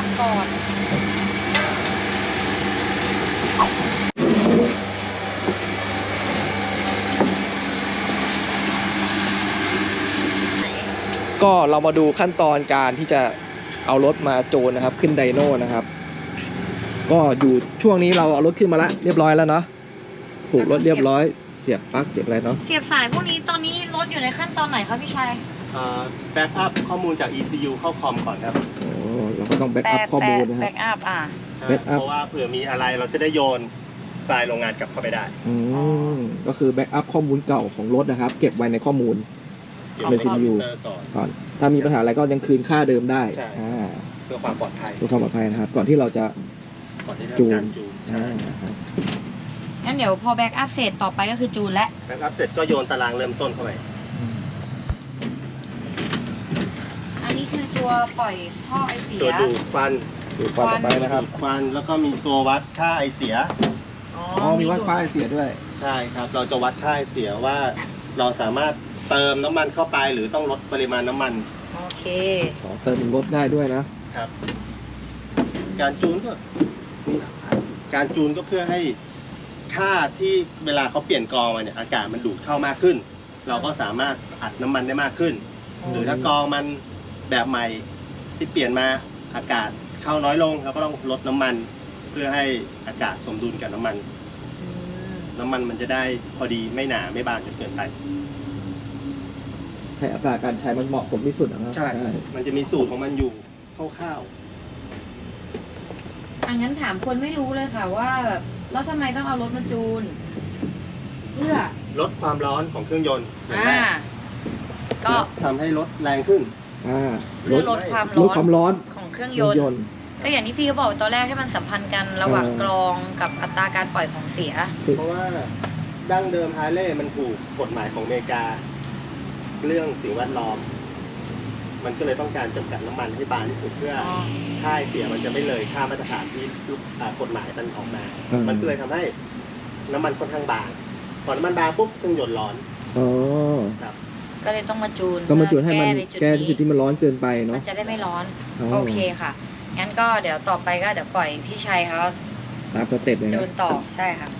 ก่อนก็เรามาดูขั้นตอนการที่จะเอารถมาจูนนะครับขึ้นไดโน่นะครับก็อยู่ช่วงนี้เราเอารถขึ้นมาแล้วเรียบร้อยแล้วเนาะผูกรถเรียบร้อยเสียบปลั๊กเสียบอะไรเนาะเสียบสายพวกนี้ตอนนี้รถอยู่ในขั้นตอนไหนครับพี่ชัยแบ็กอัพข้อมูลจาก ECU เข้าคอมก่อนครับโอ้เราก็ต้องแบ็กอัพข้อมูลนะครับแบ็กอัพเพราะว่าเผื่อมีอะไรเราจะได้โยนไฟล์โรงงานกลับเข้าไปได้ก็คือแบ็กอัพข้อมูลเก่าของรถนะครับเก็บไว้ในข้อมูลใน CPU ก่อนถ้ามีปัญหาอะไรก็ยังคืนค่าเดิมได้เพื่อความปลอดภัยนะครับก่อนที่เราจะจูนงั้นเดี๋ยวพอแบ็กอัพเสร็จต่อไปก็คือจูนและแบ็กอัพเสร็จก็โยนตารางเริ่มต้นเข้าไปอันนี้คือตัวปล่อยท่อไอเสียตัวดูดควันต่อไปนะครับควันแล้วก็มีตัววัดค่าไอเสียมีวัดค่าไอเสียด้วยใช่ครับเราจะวัดค่าไอเสียว่าเราสามารถเติมน้ำมันเข้าไปหรือต้องลดปริมาณน้ำมันโอเคเติมลดได้ด้วยนะครับการจูนก็เพื่อให้ค่าที่เวลาเขาเปลี่ยนกรองมาเนี่ยอากาศมันดูดเข้ามากขึ้นเราก็สามารถอัดน้ำมันได้มากขึ้นหรือถ้ากรองมันแบบใหม่ที่เปลี่ยนมาอากาศเข้าน้อยลงเราก็ต้องลดน้ำมันเพื่อให้อากาศสมดุลกับน้ำมันมันจะได้พอดีไม่หนาไม่บางจนเกินไปให้อัตราการใช้มันเหมาะสมที่สุดนะครับใช่มันจะมีสูตรของมันอยู่คร่าวๆงั้นถามคนไม่รู้เลยค่ะว่าแบบแล้วทำไมต้องเอารถมาจูนเพื่อลดความร้อนของเครื่องยนต์ก็ทำให้รถแรงขึ้นเพื่อลดความร้อนของเครื่องยนต์ก็อย่างที่พี่เขาบอกตอนแรกให้มันสัมพันธ์กันระหว่างกรองกับอัตราการปล่อยของเสียเพราะว่าดั้งเดิมฮาร์เลย์มันถูกกฎหมายของอเมริกาเรื่องสิ่งแวดล้อมมันก็เลยต้องการจำกัดน้ำมันให้บางที่สุดเพื่อค่าเสียมันจะไม่เลยค่ามาตรฐานที่กฎหมายมันออกมามันก็เลยทำให้น้ำมันค่อนข้างบางพอน้ำมันบางปุ๊บเครื่องยนต์ร้อนครับก็เลยต้องมาจูนให้มันแก้จุดที่มันร้อนเกินไปเนาะมันจะได้ไม่ร้อนโอเคค่ะงั้นก็เดี๋ยวต่อไปก็เดี๋ยวปล่อยพี่ชัยเขาตามสเต็ปเลยนะจูนต่อใช่ค่ะ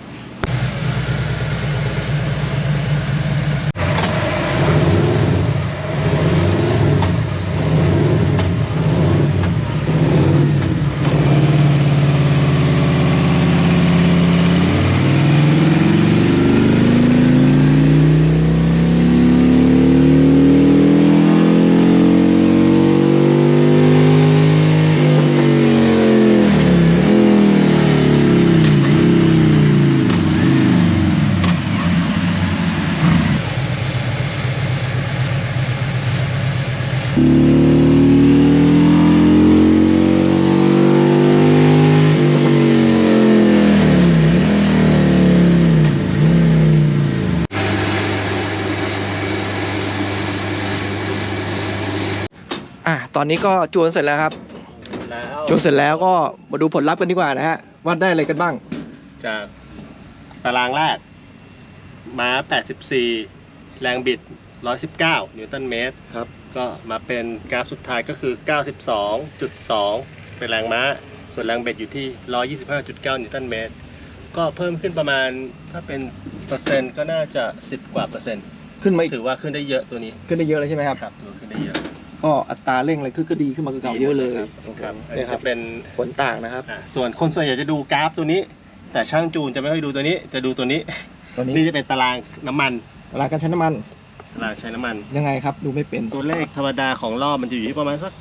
ตอนนี้ก็จูนเสร็จแล้วครับจูนเสร็จแล้วก็มาดูผลลัพธ์กันดีกว่านะฮะวัดได้อะไรกันบ้างจากตารางแรกม้า84แรงบิด119นิวตันเมตรครับก็มาเป็นกราฟสุดท้ายก็คือ 92.2 เป็นแรงม้าส่วนแรงบิดอยู่ที่ 125.9 นิวตันเมตรก็เพิ่มขึ้นประมาณถ้าเป็นเปอร์เซ็นต์ก็น่าจะ10 กว่าเปอร์เซ็นต์ขึ้นมาถือว่าขึ้นได้เยอะตัวนี้ขึ้นได้เยอะเลยใช่ไหมครับครับตัวขึ้นได้เยอะก็อัตราเร่งอะไรก็ดีขึ้นมาเก่าเยอะเลยครับอันนี้จะเป็นผลต่างนะครับส่วนคนส่วนใหญ่จะดูกราฟตัวนี้แต่ช่างจูนจะไม่ค่อยดูตัวนี้จะดูตัวนี้นี่จะเป็นตารางน้ำมันตารางการใช้น้ำมันตารางใช้น้ำมันยังไงครับดูไม่เป็นตัวเลขธรรมดาของรอบมันจะอยู่ที่ประมาณสัก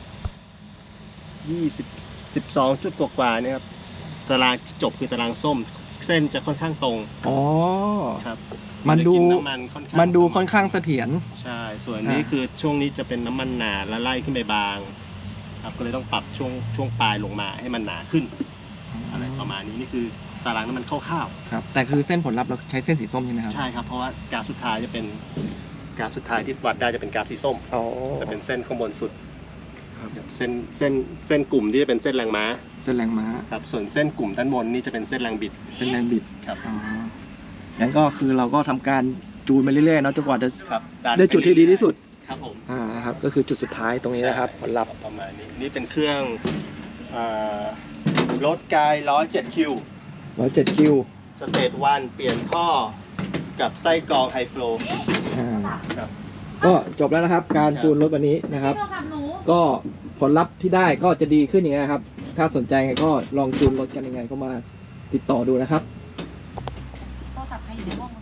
12 จุดกว่าๆเนี่ยครับตารางที่จบคือตารางส้มเส้นจะค่อนข้างตรงครับมันดูค่อนข้างเสถียรใช่ส่วนนี้คือช่วงนี้จะเป็นน้ำมันหนาและไล่ขึ้นไปบางครับก็เลยต้องปรับช่วงปลายลงมาให้มันหนาขึ้นอะไรประมาณนี้นี่คือตารางน้ำมันคร่าวๆครับแต่คือเส้นผลลัพธ์เราใช้เส้นสีส้มใช่ไหมครับใช่ครับเพราะว่ากราฟสุดท้ายจะเป็นกราฟสุดท้ายที่วัดได้จะเป็นกราฟสีส้มจะเป็นเส้นข้างบนสุดเส้นกลุ่มที่จะเป็นเส้นแรงม้าครับส่วนเส้นกลุ่มด้านบนนี่จะเป็นเส้นแรงบิดครับงั้นก็คือเราก็ทำการจูนไปเรื่อยๆเนาะจนกว่าจะได้จุดที่ดีที่สุดครับผมครับก็คือจุดสุดท้ายตรงนี้นะครับผลลัพธ์ประมาณนี้นี่เป็นเครื่องรถกาย107คิว 107 คิวสเตจวันเปลี่ยนท่อกับไส้กรองไฮฟลู ครับก็จบแล้วนะครับ การจูนรถวันนี้นะครับโทรศัพท์หนูก็ผลลัพธ์ที่ได้ก็จะดีขึ้นอย่างนี้ยครับ ถ้าสนใจไงก็ลองจูนรถกันยังไงก็มาติดต่อดูนะครับโทรศัพท์ใครอยู่ในห้องวะ